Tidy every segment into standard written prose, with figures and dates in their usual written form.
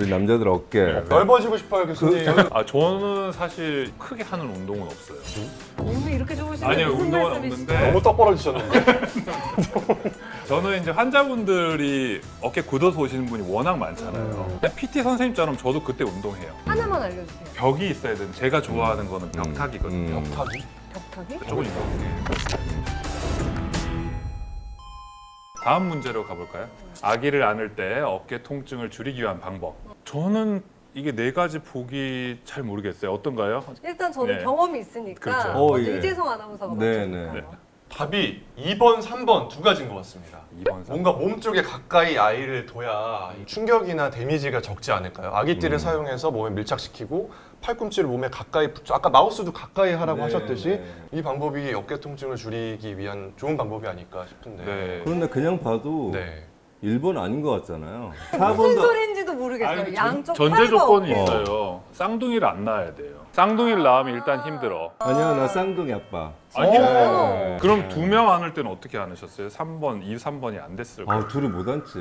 우리 남자들 어깨. 넓어지고 싶어요, 교수님. 저는 사실 크게 하는 운동은 없어요. 몸이 이렇게 좋으신데 아니요, 무슨 운동은 말씀이시죠? 없는데 너무 떡 벌어지셨는데. 저는 이제 환자분들이 어깨 굳어서 오시는 분이 워낙 많잖아요. 근데 PT 선생님처럼 저도 그때 운동해요. 하나만 알려주세요. 벽이 있어야 되는, 제가 좋아하는 거는 벽타기거든요. 벽타기? 벽타기? 조금 이거. 다음 문제로 가볼까요? 아기를 안을 때 어깨 통증을 줄이기 위한 방법. 저는 이게 네 가지 보기 잘 모르겠어요. 어떤가요? 일단 저는 네. 경험이 있으니까 그렇죠. 먼저 예. 이재성 아나운서가 네, 맞춰볼까요? 네. 답이 2번, 3번 두 가지인 것 같습니다. 2번, 3번. 뭔가 몸 쪽에 가까이 아이를 둬야 이 충격이나 데미지가 적지 않을까요? 아기띠를 사용해서 몸에 밀착시키고 팔꿈치를 몸에 가까이 붙여, 아까 마우스도 가까이 하라고 네, 하셨듯이 네. 이 방법이 어깨 통증을 줄이기 위한 좋은 방법이 아닐까 싶은데. 네. 그런데 그냥 봐도 네. 1번 아닌 것 같잖아요. 무슨 4번도 소리인지도 모르겠어요. 아니, 양쪽 전제 팔과 조건이 어깨. 있어요. 쌍둥이를 안 낳아야 돼요. 쌍둥이를 낳으면 일단 힘들어. 아니야, 나 쌍둥이 아빠. 아니요. 네. 그럼 2명 안을 때는 어떻게 안으셨어요? 3번, 3번이 안 됐을 거예요. 아, 둘이 못 앉지.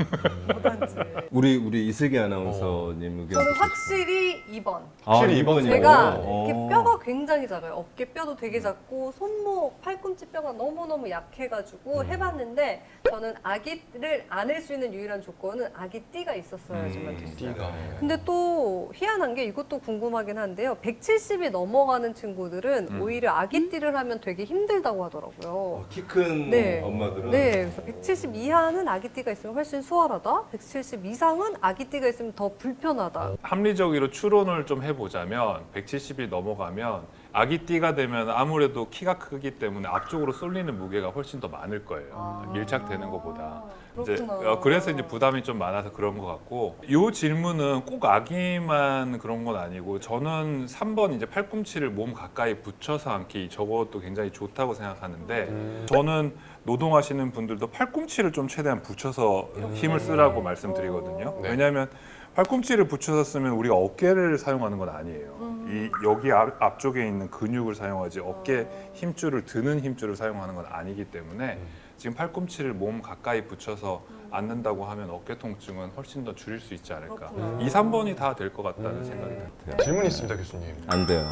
못한지. 우리 이슬기 아나운서님 의견. 저는 확실히 2번. 확실히 아, 2번이요? 제가 어. 이렇게 뼈가 굉장히 작아요. 어깨 뼈도 되게 작고 손목, 팔꿈치 뼈가 너무너무 약해가지고 해봤는데 저는 아기를 안을 수 있는 유일한 조건은 아기띠가 있었어야지만 됐어요. 띠가. 근데 또 희한한 게 이것도 궁금하긴 한데요. 170이 넘어가는 친구들은 오히려 아기띠를 하면 되게 힘들다고 하더라고요. 키 큰 네. 엄마들은. 네, 그래서 170 이하는 아기띠가 있으면 훨씬 수월하다. 170 이상은 아기띠가 있으면 더 불편하다. 합리적으로 추론을 좀 해보자면 170이 넘어가면 아기띠가 되면 아무래도 키가 크기 때문에 앞쪽으로 쏠리는 무게가 훨씬 더 많을 거예요. 밀착되는 것보다. 이제 그렇구나. 그래서 이제 부담이 좀 많아서 그런 것 같고, 이 질문은 꼭 아기만 그런 건 아니고 저는 3번 이제 팔꿈치를 몸 가까이 붙여서 앉기, 저것도 굉장히 좋다고 생각하는데 저는 노동하시는 분들도 팔꿈치를 좀 최대한 붙여서 힘을 쓰라고 말씀드리거든요. 네. 왜냐하면 팔꿈치를 붙여서 쓰면 우리가 어깨를 사용하는 건 아니에요. 이 여기 앞쪽에 있는 근육을 사용하지 어깨 힘줄을 드는 힘줄을 사용하는 건 아니기 때문에 지금 팔꿈치를 몸 가까이 붙여서 앉는다고 하면 어깨 통증은 훨씬 더 줄일 수 있지 않을까. 그렇구나. 2, 3번이 다 될 것 같다는 생각이 듭니다. 질문 있습니다, 교수님. 안 돼요.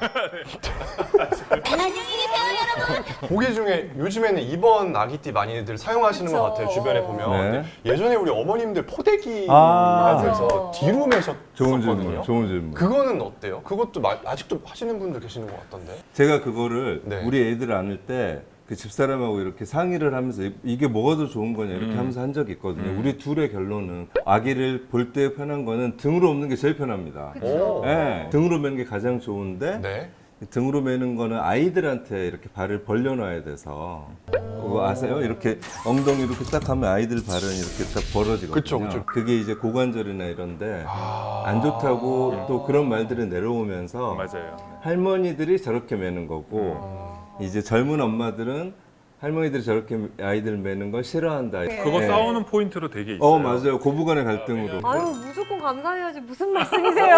보기 중에 요즘에는 2번 아기띠 많이들 사용하시는 그쵸. 것 같아요, 주변에 보면. 네. 근데 예전에 우리 어머님들 포대기 아. 하면서 뒤로 좋은 매셨었거든요. 질문. 좋은 질문. 그거는 어때요? 그것도 아직도 하시는 분들 계시는 것 같던데. 제가 그거를 네. 우리 애들 안을 때 그 집사람하고 이렇게 상의를 하면서 이게 뭐가 더 좋은 거냐 이렇게 하면서 한 적이 있거든요. 우리 둘의 결론은 아기를 볼 때 편한 거는 등으로 없는 게 제일 편합니다. 그쵸. 네, 등으로 매는 게 가장 좋은데 네. 등으로 매는 거는 아이들한테 이렇게 발을 벌려놔야 돼서 그거 아세요? 이렇게 엉덩이 이렇게 딱 하면 아이들 발은 이렇게 딱 벌어지거든요. 그쵸, 그쵸. 그게 이제 고관절이나 이런데 아. 안 좋다고 또 그런 말들이 내려오면서 맞아요. 할머니들이 저렇게 매는 거고 이제 젊은 엄마들은 할머니들이 저렇게 아이들 매는 걸 싫어한다. 그거 네. 싸우는 포인트로 되게 있어요. 맞아요. 고부간의 갈등으로. 아유, 무조건 감사해야지. 무슨 말씀이세요?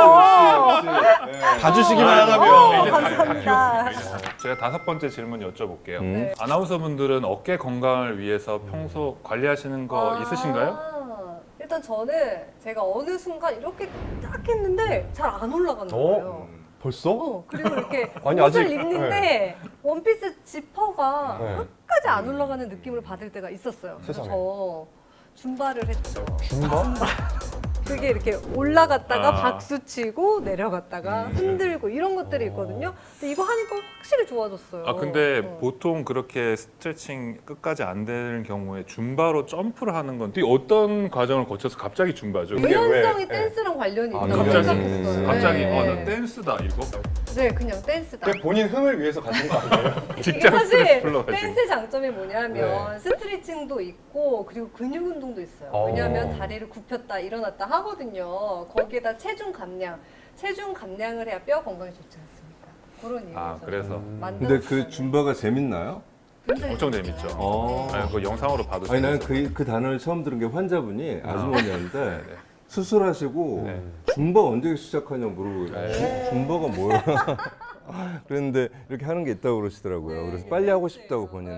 봐주시기만 하다면. 감사합니다. 제가 5번째 질문 여쭤볼게요. 네. 아나운서 분들은 어깨 건강을 위해서 평소 관리하시는 거 있으신가요? 일단 저는 제가 어느 순간 이렇게 딱 했는데 잘 안 올라가는 거예요. 벌써? 그리고 이렇게 아니, 옷을 아직- 입는데 원피스 지퍼가 네. 끝까지 안 올라가는 느낌을 받을 때가 있었어요. 그래서 세상에. 저 줌바를 했죠. 줌바? 그게 이렇게 올라갔다가 아. 박수 치고 내려갔다가 흔들고 이런 것들이 있거든요. 근데 이거 하니까 확실히 좋아졌어요. 근데 어. 보통 그렇게 스트레칭 끝까지 안 되는 경우에 줌바로 점프를 하는 건 되게 어떤 과정을 거쳐서 갑자기 줌바죠? 그게 유연성이 왜? 댄스랑 관련이 아, 있다고 갑자기? 생각했어요. 갑자기 네. 나 댄스다 이거? 네, 그냥 댄스다. 그냥 본인 흥을 위해서 가신 거 아니에요? 이게 직장 스트레스 사실 풀러가지고. 댄스 장점이 뭐냐면 네. 스트레칭도 있고 그리고 근육 운동도 있어요. 어. 왜냐하면 다리를 굽혔다 일어났다 하거든요. 거기에다 체중 감량을 해야 뼈 건강에 좋지 않습니까? 그런 이유에서 그래서 근데 그 줌바가 재밌나요? 엄청 재밌죠. 어. 그 영상으로 봐도 아니 나는 재밌어요. 그 단어를 처음 들은 게 환자분이 아주머니였는데 네. 수술하시고 네. 줌바 언제 시작하냐고 물어보고 줌바가 뭐야? 그랬는데 이렇게 하는 게 있다고 그러시더라고요. 그래서 빨리 하고 싶다고 본인은.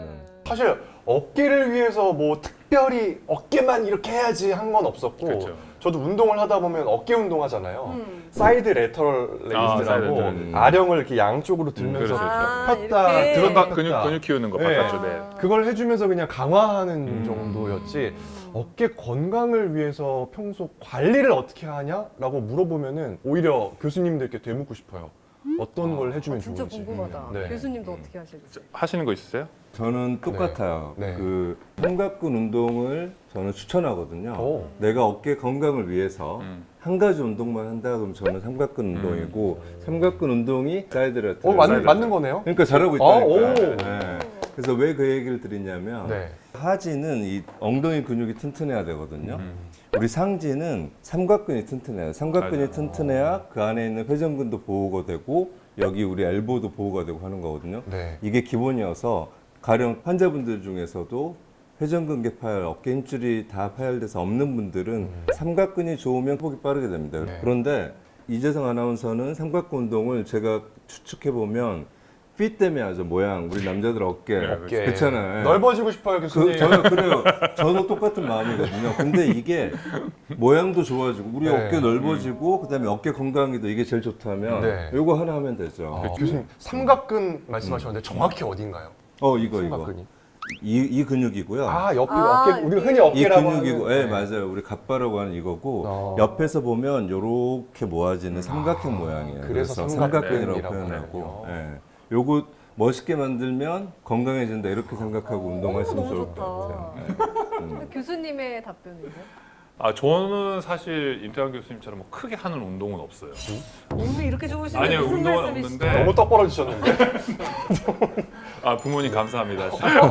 사실 어깨를 위해서 뭐 특별히 어깨만 이렇게 해야지 한 건 없었고 그렇죠. 저도 운동을 하다 보면 어깨 운동 하잖아요. 사이드 레터럴 레이스라고 사이드 아령을 이렇게 양쪽으로 들면서 그렇죠. 폈다 이렇게. 들었다 근육 키우는 거 네. 바깥쪽에. 그걸 해주면서 그냥 강화하는 정도였지 어깨 건강을 위해서 평소 관리를 어떻게 하냐라고 물어보면은 오히려 교수님들께 되묻고 싶어요. 어떤 걸 해주면 진짜 좋은지. 궁금하다. 네. 교수님도 어떻게 하실지. 하시는 거 있으세요? 저는 똑같아요. 네. 그 삼각근 운동을 저는 추천하거든요. 오. 내가 어깨 건강을 위해서 한 가지 운동만 한다 그러면 저는 삼각근 운동이고 삼각근 운동이 사이드 레터. 맞는 거네요? 그러니까 잘하고 아, 있다니까. 오. 네. 그래서 왜 그 얘기를 드리냐면 네. 하지는 이 엉덩이 근육이 튼튼해야 되거든요. 우리 상지는 삼각근이 튼튼해요. 삼각근이 맞아요. 튼튼해야 그 안에 있는 회전근도 보호가 되고 여기 우리 엘보도 보호가 되고 하는 거거든요. 네. 이게 기본이어서 가령 환자분들 중에서도 회전근개 파열, 어깨 힘줄이 다 파열돼서 없는 분들은 삼각근이 좋으면 회복이 빠르게 됩니다. 네. 그런데 이재성 아나운서는 삼각근 운동을 제가 추측해 보면 핏 때문에 하죠. 모양 우리 남자들 어깨 어깨. 그렇잖아요. 넓어지고 싶어요, 교수님. 저는 그래요. 저도 똑같은 마음이거든요. 근데 이게 모양도 좋아지고 우리 네. 어깨 넓어지고 그다음에 어깨 건강에도 이게 제일 좋다면 네. 이거 하나 하면 되죠. 교수님 삼각근 말씀하셨는데 정확히 어딘가요? 이거 삼각근이. 이 근육이고요. 아, 옆 아, 어깨 우리가 흔히 이 어깨라고 근육이고, 하는. 예, 맞아요. 우리 갑바라고 하는 이거고 어. 옆에서 보면 이렇게 모아지는 삼각형 모양이에요. 그래서 삼각근이라고 삼각근이라고 표현하고, 하는군요. 예. 요거 멋있게 만들면 건강해진다 이렇게 생각하고 운동하시면 너무 좋을 좋다. 것 같아요. 예. 교수님의 답변이요? 저는 사실 임태환 교수님처럼 뭐 크게 하는 운동은 없어요. 몸이 이렇게 좋으시면 아니요, 무슨 운동은 말씀이시죠? 없는데. 너무 떡 벌어지셨는데. 부모님 감사합니다.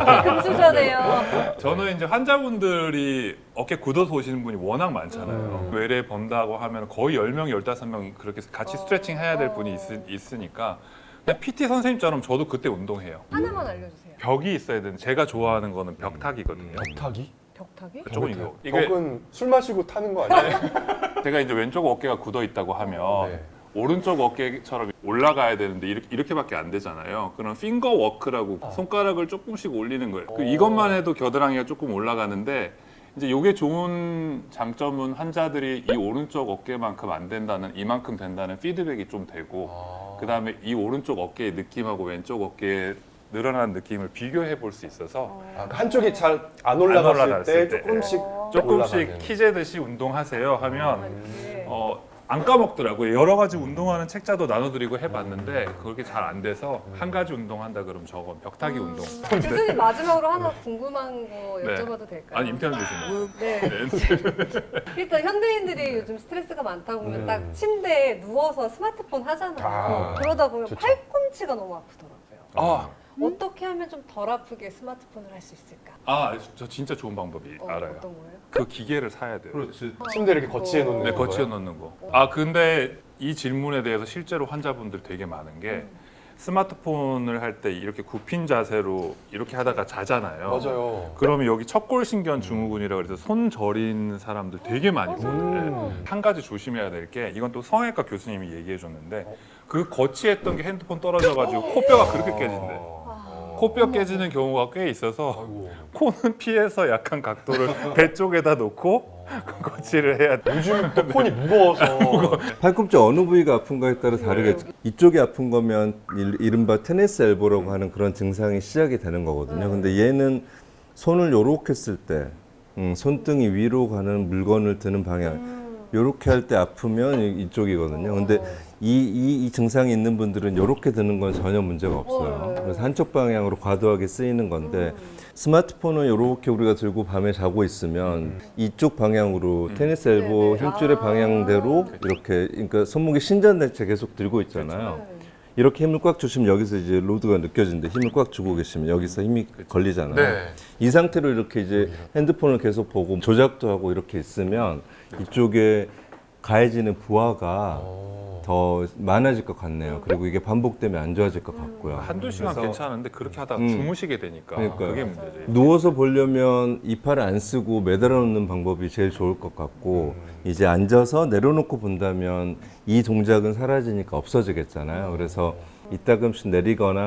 금수저네요. 저는 이제 환자분들이 어깨 굳어서 오시는 분이 워낙 많잖아요. 외래 번다고 하면 거의 10명, 15명 그렇게 같이 스트레칭 해야 될 분이 있으니까 그냥 PT 선생님처럼 저도 그때 운동해요. 하나만 알려주세요. 벽이 있어야 되는 제가 좋아하는 거는 벽타기거든요. 벽타기? 벽타기? 그쪽은 이거. 이게 벽은 술 마시고 타는 거 아니에요? 제가 이제 왼쪽 어깨가 굳어 있다고 하면 네. 오른쪽 어깨처럼 올라가야 되는데 이렇게밖에 안 되잖아요. 그럼 핑거 워크라고 손가락을 조금씩 올리는 거예요. 이것만 해도 겨드랑이가 조금 올라가는데 이제 이게 좋은 장점은 환자들이 이 오른쪽 어깨만큼 안 된다는 이만큼 된다는 피드백이 좀 되고 그다음에 이 오른쪽 어깨의 느낌하고 왼쪽 어깨의 늘어난 느낌을 비교해 볼 수 있어서 한쪽이 잘 안 올라갔을 올라갔을 때 때. 조금씩 조금씩 올라가는. 키재듯이 운동하세요 하면 이렇게. 안 까먹더라고요. 여러 가지 운동하는 책자도 나눠드리고 해봤는데 그렇게 잘 안 돼서 한 가지 운동한다 그러면 저건 벽타기 운동. 교수님 마지막으로 하나 궁금한 거 네. 여쭤봐도 될까요? 아니 임태환 교수님. 네. 일단 현대인들이 요즘 스트레스가 많다 보면 딱 침대에 누워서 스마트폰 하잖아요. 그러다 보면 좋죠. 팔꿈치가 너무 아프더라고요. 아, 어떻게 하면 좀 덜 아프게 스마트폰을 할 수 있을까? 저 진짜 좋은 방법이 알아요. 어떤 거예요? 그 기계를 사야 돼요. 그렇지. 침대 이렇게 거치해 놓는 네, 거예요? 거치해 놓는 거. 근데 이 질문에 대해서 실제로 환자분들 되게 많은 게 스마트폰을 할 때 이렇게 굽힌 자세로 이렇게 하다가 자잖아요. 맞아요. 그러면 여기 척골신경 증후군이라고 해서 손 저린 사람들 되게 많이 보는데 한 가지 조심해야 될 게 이건 또 성형외과 교수님이 얘기해 줬는데 그 거치했던 게 핸드폰 떨어져가지고 코뼈가 그렇게 깨진대. 코뼈 깨지는 경우가 꽤 있어서 아이고. 코는 피해서 약한 각도를 배 쪽에다 놓고 거치를 해야 돼. 요즘 또 폰이 무거워서 팔꿈치 어느 부위가 아픈가에 따라 다르겠죠. 이쪽이 아픈 거면 이른바 테니스 엘보라고 하는 그런 증상이 시작이 되는 거거든요. 근데 얘는 손을 요렇게 쓸 때 손등이 위로 가는 물건을 드는 방향 요렇게 할 때 아프면 이쪽이거든요. 근데 이 증상이 있는 분들은 요렇게 드는 건 전혀 문제가 없어요. 그래서 한쪽 방향으로 과도하게 쓰이는 건데 스마트폰을 요렇게 우리가 들고 밤에 자고 있으면 이쪽 방향으로 테니스 엘보 네네. 힘줄의 방향대로 이렇게 그러니까 손목이 신전된 채 계속 들고 있잖아요. 이렇게 힘을 꽉 주시면 여기서 이제 로드가 느껴지는데 힘을 꽉 주고 계시면 여기서 힘이 걸리잖아요. 네. 이 상태로 이렇게 이제 핸드폰을 계속 보고 조작도 하고 이렇게 있으면 이쪽에 가해지는 부하가 더 많아질 것 같네요. 그리고 이게 반복되면 안 좋아질 것 같고요. 한두 시간 그래서 괜찮은데 그렇게 하다가 주무시게 되니까 그러니까요. 그게 문제죠. 누워서 보려면 이 팔을 안 쓰고 매달아 놓는 방법이 제일 좋을 것 같고 이제 앉아서 내려놓고 본다면 이 동작은 사라지니까 없어지겠잖아요. 그래서 이따금씩 내리거나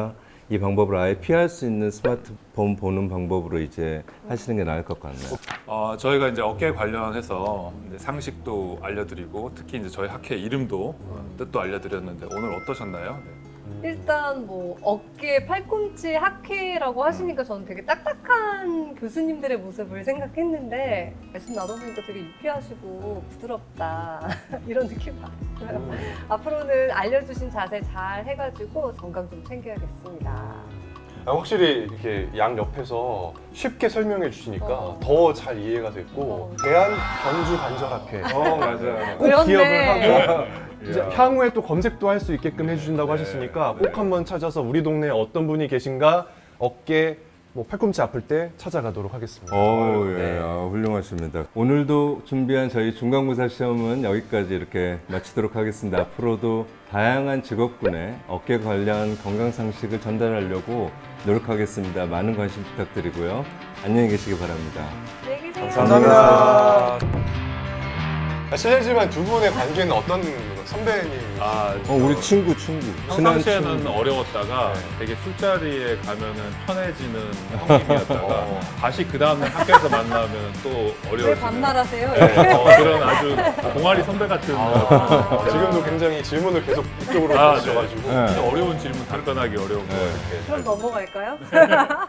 이 방법을 아예 피할 수 있는 스마트폰 보는 방법으로 이제 하시는 게 나을 것 같네요. 저희가 이제 어깨 관련해서 이제 상식도 알려드리고 특히 이제 저희 학회 이름도 뜻도 알려드렸는데 오늘 어떠셨나요? 일단 뭐 어깨 팔꿈치 학회라고 하시니까 저는 되게 딱딱한 교수님들의 모습을 생각했는데 말씀 나눠보니까 되게 유쾌하시고 부드럽다 이런 느낌 받았어요. 앞으로는 알려주신 자세 잘 해가지고 건강 좀 챙겨야겠습니다. 확실히 이렇게 양 옆에서 쉽게 설명해 주시니까 더 잘 이해가 됐고 대한 견주 관절학회 맞아요. 꼭 그렇네. 기억을 하고 이제 향후에 또 검색도 할 수 있게끔 해주신다고 하셨으니까 꼭 한번 찾아서 우리 동네에 어떤 분이 계신가 어깨 뭐 팔꿈치 아플 때 찾아가도록 하겠습니다. 예, 네. 훌륭하십니다. 오늘도 준비한 저희 중간고사 시험은 여기까지 이렇게 마치도록 하겠습니다. 앞으로도 다양한 직업군의 어깨 관련 건강 상식을 전달하려고 노력하겠습니다. 많은 관심 부탁드리고요. 안녕히 계시기 바랍니다. 안녕히 계세요. 감사합니다. 실례지만 두 분의 관계는 어떤 선배님? 우리 친구. 평상시에는 어려웠다가 되게 술자리에 가면은 편해지는 형님이었다가 다시 그 다음날 학교에서 만나면 또 왜 어려워지는 반말하세요? 그런 아주 동아리 선배 같은 지금도 굉장히 질문을 계속 이쪽으로 네. 주셔가지고 진짜 어려운 질문 답변하기 어려운 거 이렇게 그럼 넘어갈까요?